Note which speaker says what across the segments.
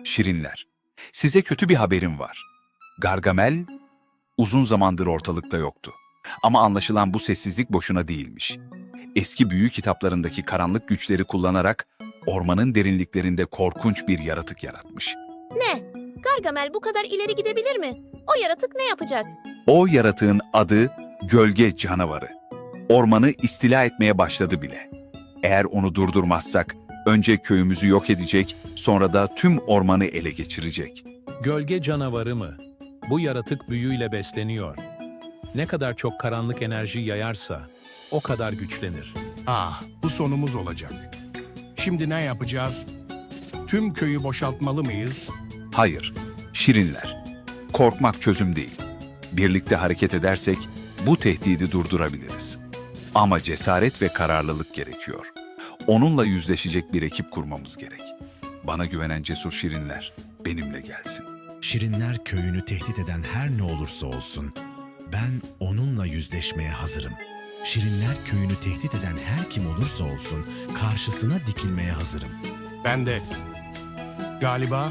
Speaker 1: Şirinler, size kötü bir haberim var. Gargamel uzun zamandır ortalıkta yoktu. Ama anlaşılan bu sessizlik boşuna değilmiş. Eski büyü kitaplarındaki karanlık güçleri kullanarak ormanın derinliklerinde korkunç bir yaratık yaratmış.
Speaker 2: Ne? Gargamel bu kadar ileri gidebilir mi? O yaratık ne yapacak?
Speaker 1: O yaratığın adı Gölge Canavarı. Ormanı istila etmeye başladı bile. Eğer onu durdurmazsak önce köyümüzü yok edecek, sonra da tüm ormanı ele geçirecek.
Speaker 3: Gölge canavarı mı? Bu yaratık büyüyle besleniyor. Ne kadar çok karanlık enerji yayarsa o kadar güçlenir.
Speaker 4: Bu sonumuz olacak. Şimdi ne yapacağız? Tüm köyü boşaltmalı mıyız?
Speaker 1: Hayır, Şirinler. Korkmak çözüm değil. Birlikte hareket edersek bu tehdidi durdurabiliriz. Ama cesaret ve kararlılık gerekiyor. Onunla yüzleşecek bir ekip kurmamız gerek. Bana güvenen cesur Şirinler benimle gelsin.
Speaker 5: Şirinler köyünü tehdit eden her ne olursa olsun, ben onunla yüzleşmeye hazırım. Şirinler köyünü tehdit eden her kim olursa olsun, karşısına dikilmeye hazırım.
Speaker 4: Ben de. Galiba.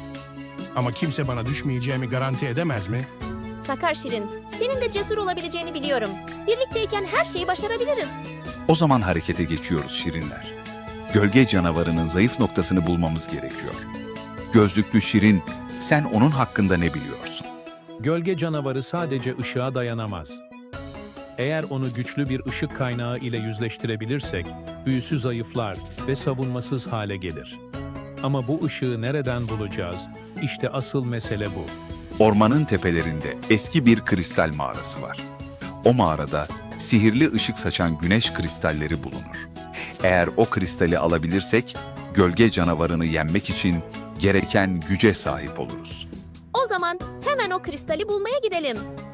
Speaker 4: Ama kimse bana düşmeyeceğimi garanti edemez mi?
Speaker 2: Sakar Şirin, senin de cesur olabileceğini biliyorum. Birlikteyken her şeyi başarabiliriz.
Speaker 1: O zaman harekete geçiyoruz Şirinler. Gölge canavarının zayıf noktasını bulmamız gerekiyor. Gözlüklü Şirin, sen onun hakkında ne biliyorsun?
Speaker 3: Gölge canavarı sadece ışığa dayanamaz. Eğer onu güçlü bir ışık kaynağı ile yüzleştirebilirsek, büyüsü zayıflar ve savunmasız hale gelir. Ama bu ışığı nereden bulacağız? İşte asıl mesele bu.
Speaker 1: Ormanın tepelerinde eski bir kristal mağarası var. O mağarada sihirli ışık saçan güneş kristalleri bulunur. Eğer o kristali alabilirsek, gölge canavarını yenmek için gereken güce sahip oluruz.
Speaker 2: O zaman hemen o kristali bulmaya gidelim.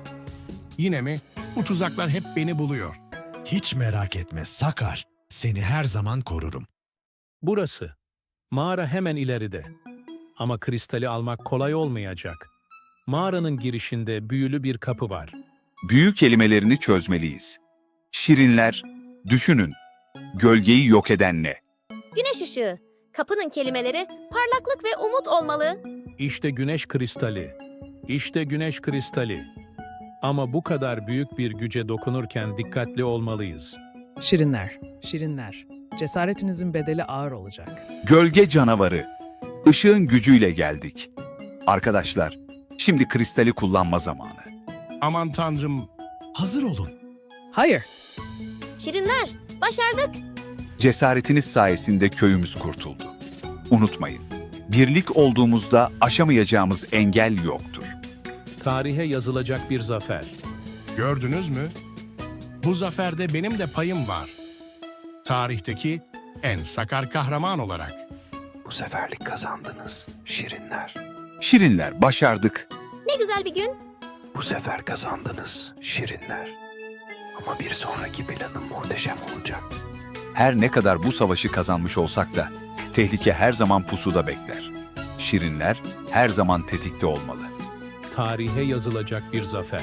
Speaker 4: Yine mi? Bu tuzaklar hep beni buluyor.
Speaker 5: Hiç merak etme Sakar, seni her zaman korurum.
Speaker 3: Burası. Mağara hemen ileride. Ama kristali almak kolay olmayacak. Mağaranın girişinde büyülü bir kapı var.
Speaker 1: Büyü kelimelerini çözmeliyiz. Şirinler, düşünün. Gölgeyi yok eden ne?
Speaker 2: Güneş ışığı. Kapının kelimeleri parlaklık ve umut olmalı.
Speaker 3: İşte güneş kristali. İşte güneş kristali. Ama bu kadar büyük bir güce dokunurken dikkatli olmalıyız.
Speaker 6: Şirinler, şirinler. Cesaretinizin bedeli ağır olacak.
Speaker 1: Gölge canavarı. Işığın gücüyle geldik. Arkadaşlar, şimdi kristali kullanma zamanı.
Speaker 4: Aman tanrım.
Speaker 5: Hazır olun.
Speaker 6: Hayır,
Speaker 2: Şirinler, başardık.
Speaker 1: Cesaretiniz sayesinde köyümüz kurtuldu. Unutmayın, birlik olduğumuzda aşamayacağımız engel yoktur.
Speaker 3: Tarihe yazılacak bir zafer.
Speaker 4: Gördünüz mü? Bu zaferde benim de payım var. Tarihteki en sakar kahraman olarak.
Speaker 7: Bu seferlik kazandınız, Şirinler.
Speaker 1: Şirinler, başardık.
Speaker 2: Ne güzel bir gün.
Speaker 7: Bu sefer kazandınız, Şirinler. Ama bir sonraki planım muhteşem olacak.
Speaker 1: Her ne kadar bu savaşı kazanmış olsak da tehlike her zaman pusuda bekler. Şirinler her zaman tetikte olmalı.
Speaker 3: Tarihe yazılacak bir zafer.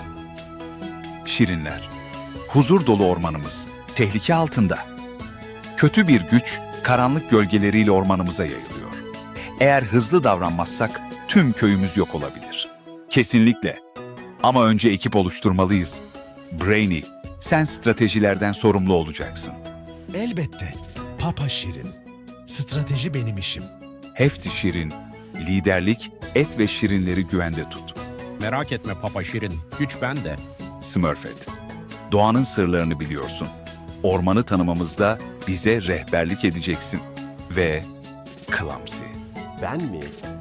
Speaker 1: Şirinler, huzur dolu ormanımız tehlike altında. Kötü bir güç karanlık gölgeleriyle ormanımıza yayılıyor. Eğer hızlı davranmazsak tüm köyümüz yok olabilir. Kesinlikle. Ama önce ekip oluşturmalıyız. Brainy, sen stratejilerden sorumlu olacaksın.
Speaker 5: Elbette. Papa Şirin. Strateji benim işim.
Speaker 1: Hefti Şirin, liderlik, et ve şirinleri güvende tut.
Speaker 8: Merak etme Papa Şirin, güç bende.
Speaker 1: Smurfette, doğanın sırlarını biliyorsun. Ormanı tanımamızda bize rehberlik edeceksin. Ve Clumsy.
Speaker 9: Ben mi?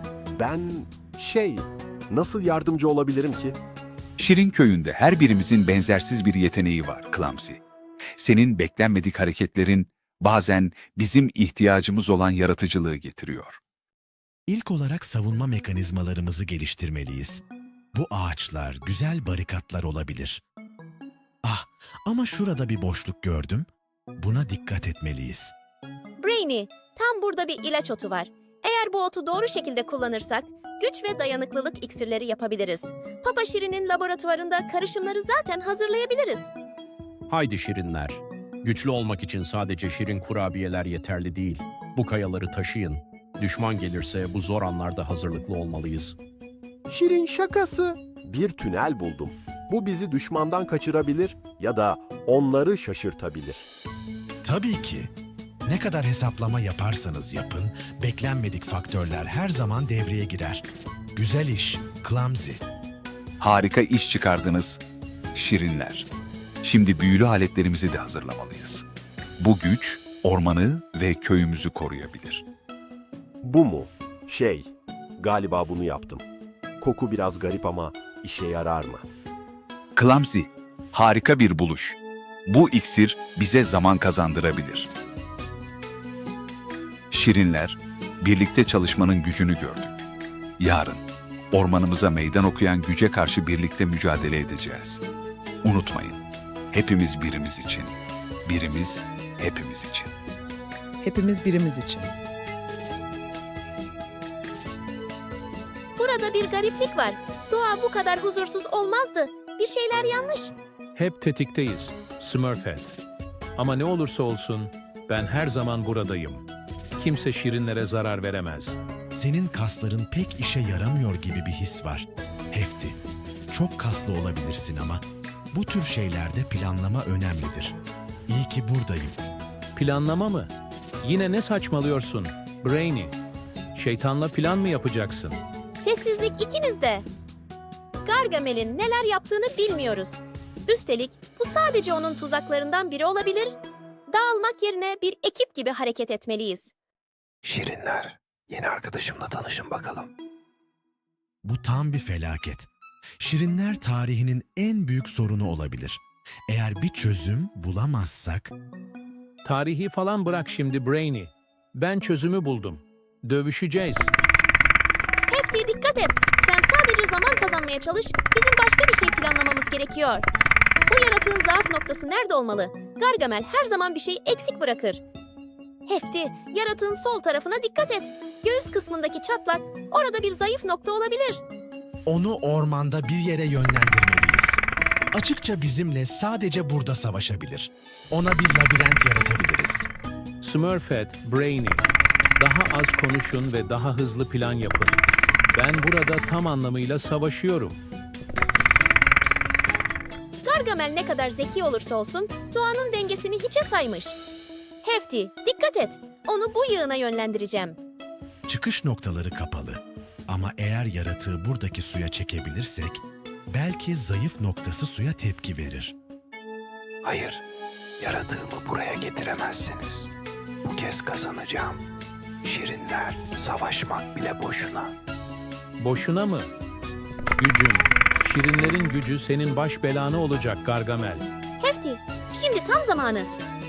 Speaker 9: Nasıl yardımcı olabilirim ki?
Speaker 1: Şirin köyünde her birimizin benzersiz bir yeteneği var Clumsy. Senin beklenmedik hareketlerin bazen bizim ihtiyacımız olan yaratıcılığı getiriyor.
Speaker 5: İlk olarak savunma mekanizmalarımızı geliştirmeliyiz. Bu ağaçlar güzel barikatlar olabilir. Ama şurada bir boşluk gördüm. Buna dikkat etmeliyiz.
Speaker 2: Brainy, tam burada bir ilaç otu var. Eğer bu otu doğru şekilde kullanırsak, güç ve dayanıklılık iksirleri yapabiliriz. Papa Şirin'in laboratuvarında karışımları zaten hazırlayabiliriz.
Speaker 8: Haydi Şirinler. Güçlü olmak için sadece şirin kurabiyeler yeterli değil. Bu kayaları taşıyın. Düşman gelirse bu zor anlarda hazırlıklı olmalıyız.
Speaker 9: Şirin şakası. Bir tünel buldum. Bu bizi düşmandan kaçırabilir ya da onları şaşırtabilir.
Speaker 5: Tabii ki. Ne kadar hesaplama yaparsanız yapın, beklenmedik faktörler her zaman devreye girer. Güzel iş, Clumsy.
Speaker 1: Harika iş çıkardınız, şirinler. Şimdi büyülü aletlerimizi de hazırlamalıyız. Bu güç ormanı ve köyümüzü koruyabilir.
Speaker 9: Bu mu? Galiba bunu yaptım. Koku biraz garip ama işe yarar mı?
Speaker 1: Clumsy, harika bir buluş. Bu iksir bize zaman kazandırabilir. Şirinler, birlikte çalışmanın gücünü gördük. Yarın, ormanımıza meydan okuyan güce karşı birlikte mücadele edeceğiz. Unutmayın, hepimiz birimiz için, birimiz hepimiz için.
Speaker 6: Hepimiz birimiz için.
Speaker 2: Burada bir gariplik var. Doğa bu kadar huzursuz olmazdı. Bir şeyler yanlış.
Speaker 3: Hep tetikteyiz, Smurfette. Ama ne olursa olsun ben her zaman buradayım. Kimse şirinlere zarar veremez.
Speaker 5: Senin kasların pek işe yaramıyor gibi bir his var. Hefti. Çok kaslı olabilirsin ama bu tür şeylerde planlama önemlidir. İyi ki buradayım.
Speaker 3: Planlama mı? Yine ne saçmalıyorsun, Brainy? Şeytanla plan mı yapacaksın?
Speaker 2: Sessizlik ikinizde. Gargamel'in neler yaptığını bilmiyoruz. Üstelik bu sadece onun tuzaklarından biri olabilir. Dağılmak yerine bir ekip gibi hareket etmeliyiz.
Speaker 7: Şirinler, yeni arkadaşımla tanışın bakalım.
Speaker 5: Bu tam bir felaket. Şirinler tarihinin en büyük sorunu olabilir. Eğer bir çözüm bulamazsak...
Speaker 3: Tarihi falan bırak şimdi Brainy. Ben çözümü buldum. Dövüşeceğiz.
Speaker 2: Hefti dikkat et. Sen sadece zaman kazanmaya çalış. Bizim başka bir şey planlamamız gerekiyor. Bu yaratığın zaaf noktası nerede olmalı? Gargamel her zaman bir şey eksik bırakır. Hefti, yaratığın sol tarafına dikkat et. Göğüs kısmındaki çatlak, orada bir zayıf nokta olabilir.
Speaker 5: Onu ormanda bir yere yönlendirmeliyiz. Açıkça bizimle sadece burada savaşabilir. Ona bir labirent yaratabiliriz.
Speaker 3: Smurfette, Brainy. Daha az konuşun ve daha hızlı plan yapın. Ben burada tam anlamıyla savaşıyorum.
Speaker 2: Gargamel ne kadar zeki olursa olsun doğanın dengesini hiçe saymış. Hefti, dikkat et. Onu bu yığına yönlendireceğim.
Speaker 5: Çıkış noktaları kapalı. Ama eğer yaratığı buradaki suya çekebilirsek, belki zayıf noktası suya tepki verir.
Speaker 7: Hayır, yaratığımı buraya getiremezsiniz. Bu kez kazanacağım. Şirinler, savaşmak bile boşuna.
Speaker 3: Boşuna mı? Gücün, şirinlerin gücü senin baş belanı olacak Gargamel.
Speaker 2: Hefti, şimdi tam zamanı.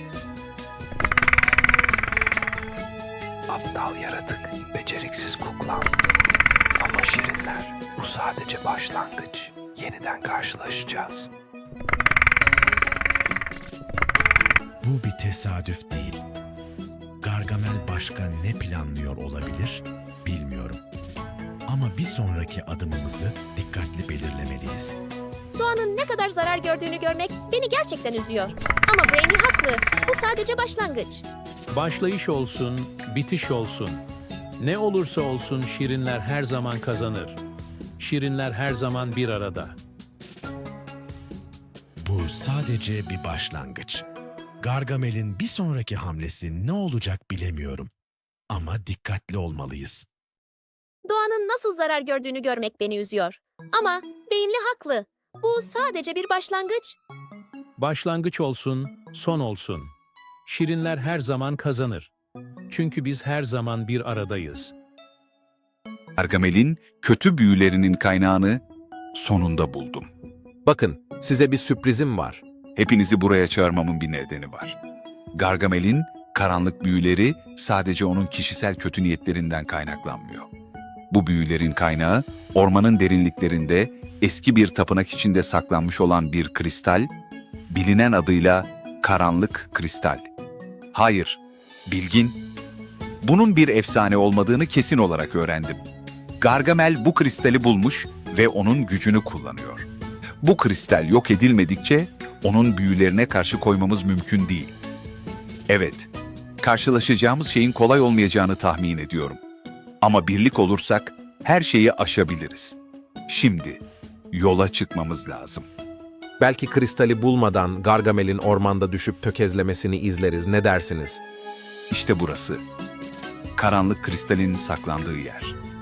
Speaker 7: Aptal yaratık, beceriksiz kuklam. Ama şirinler, bu sadece başlangıç. Yeniden karşılaşacağız.
Speaker 5: Bu bir tesadüf değil. Gargamel başka ne planlıyor olabilir bilmiyorum. Ama bir sonraki adımımızı dikkatli belirlemeliyiz.
Speaker 2: Doğanın ne kadar zarar gördüğünü görmek beni gerçekten üzüyor. Ama Brainy haklı. Bu sadece başlangıç.
Speaker 3: Başlayış olsun, bitiş olsun. Ne olursa olsun şirinler her zaman kazanır. Şirinler her zaman bir arada.
Speaker 5: Bu sadece bir başlangıç. Gargamel'in bir sonraki hamlesi ne olacak bilemiyorum. Ama dikkatli olmalıyız.
Speaker 2: Doğanın nasıl zarar gördüğünü görmek beni üzüyor. Ama beyinli haklı. Bu sadece bir başlangıç.
Speaker 3: Başlangıç olsun, son olsun. Şirinler her zaman kazanır. Çünkü biz her zaman bir aradayız.
Speaker 1: Gargamel'in kötü büyülerinin kaynağını sonunda buldum.
Speaker 10: Bakın, size bir sürprizim var.
Speaker 1: Hepinizi buraya çağırmamın bir nedeni var. Gargamel'in karanlık büyüleri sadece onun kişisel kötü niyetlerinden kaynaklanmıyor. Bu büyülerin kaynağı ormanın derinliklerinde eski bir tapınak içinde saklanmış olan bir kristal, bilinen adıyla karanlık kristal. Hayır, bilgin. Bunun bir efsane olmadığını kesin olarak öğrendim. Gargamel bu kristali bulmuş ve onun gücünü kullanıyor. Bu kristal yok edilmedikçe onun büyülerine karşı koymamız mümkün değil. Evet, karşılaşacağımız şeyin kolay olmayacağını tahmin ediyorum. Ama birlik olursak her şeyi aşabiliriz. Şimdi yola çıkmamız lazım.
Speaker 10: Belki kristali bulmadan Gargamel'in ormanda düşüp tökezlemesini izleriz. Ne dersiniz?
Speaker 1: İşte burası. Karanlık kristalin saklandığı yer.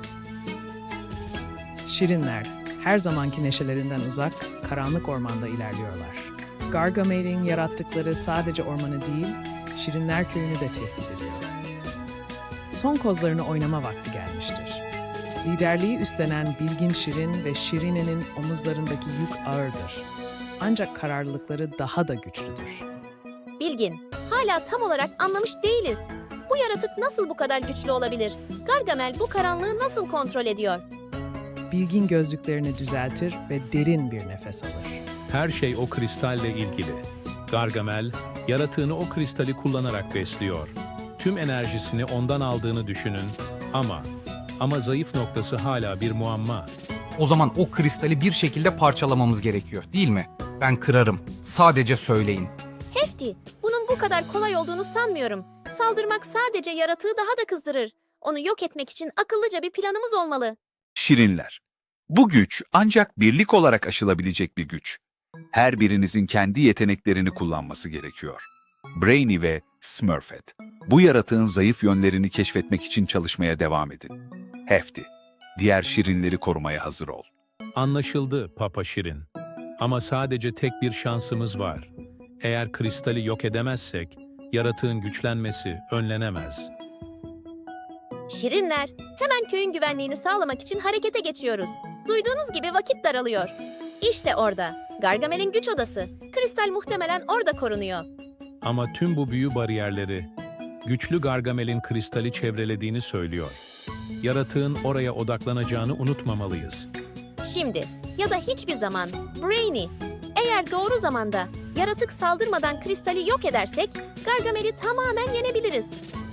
Speaker 6: Şirinler her zamanki neşelerinden uzak, karanlık ormanda ilerliyorlar. Gargamel'in yarattıkları sadece ormanı değil, Şirinler köyünü de tehdit ediyor. Son kozlarını oynama vakti gelmiştir. Liderliği üstlenen Bilgin Şirin ve Şirine'nin omuzlarındaki yük ağırdır. Ancak kararlılıkları daha da güçlüdür.
Speaker 2: Bilgin, hala tam olarak anlamış değiliz. Bu yaratık nasıl bu kadar güçlü olabilir? Gargamel bu karanlığı nasıl kontrol ediyor?
Speaker 6: Bilgin gözlüklerini düzeltir ve derin bir nefes alır.
Speaker 3: Her şey o kristalle ilgili. Gargamel, yaratığını o kristali kullanarak besliyor. Tüm enerjisini ondan aldığını düşünün ama zayıf noktası hala bir muamma.
Speaker 11: O zaman o kristali bir şekilde parçalamamız gerekiyor, değil mi? Ben kırarım. Sadece söyleyin.
Speaker 2: Hefti, bunun bu kadar kolay olduğunu sanmıyorum. Saldırmak sadece yaratığı daha da kızdırır. Onu yok etmek için akıllıca bir planımız olmalı.
Speaker 1: Şirinler. Bu güç ancak birlik olarak aşılabilecek bir güç. Her birinizin kendi yeteneklerini kullanması gerekiyor. Brainy ve Smurfette, bu yaratığın zayıf yönlerini keşfetmek için çalışmaya devam edin. Hefti, diğer şirinleri korumaya hazır ol.
Speaker 3: Anlaşıldı Papa Şirin. Ama sadece tek bir şansımız var. Eğer kristali yok edemezsek, yaratığın güçlenmesi önlenemez.
Speaker 2: Şirinler, hemen köyün güvenliğini sağlamak için harekete geçiyoruz. Duyduğunuz gibi vakit daralıyor. İşte orada, Gargamel'in güç odası. Kristal muhtemelen orada korunuyor.
Speaker 3: Ama tüm bu büyü bariyerleri, güçlü Gargamel'in kristali çevrelediğini söylüyor. Yaratığın oraya odaklanacağını unutmamalıyız.
Speaker 2: Şimdi ya da hiçbir zaman Brainy, eğer doğru zamanda yaratık saldırmadan kristali yok edersek Gargamel'i tamamen yenebiliriz.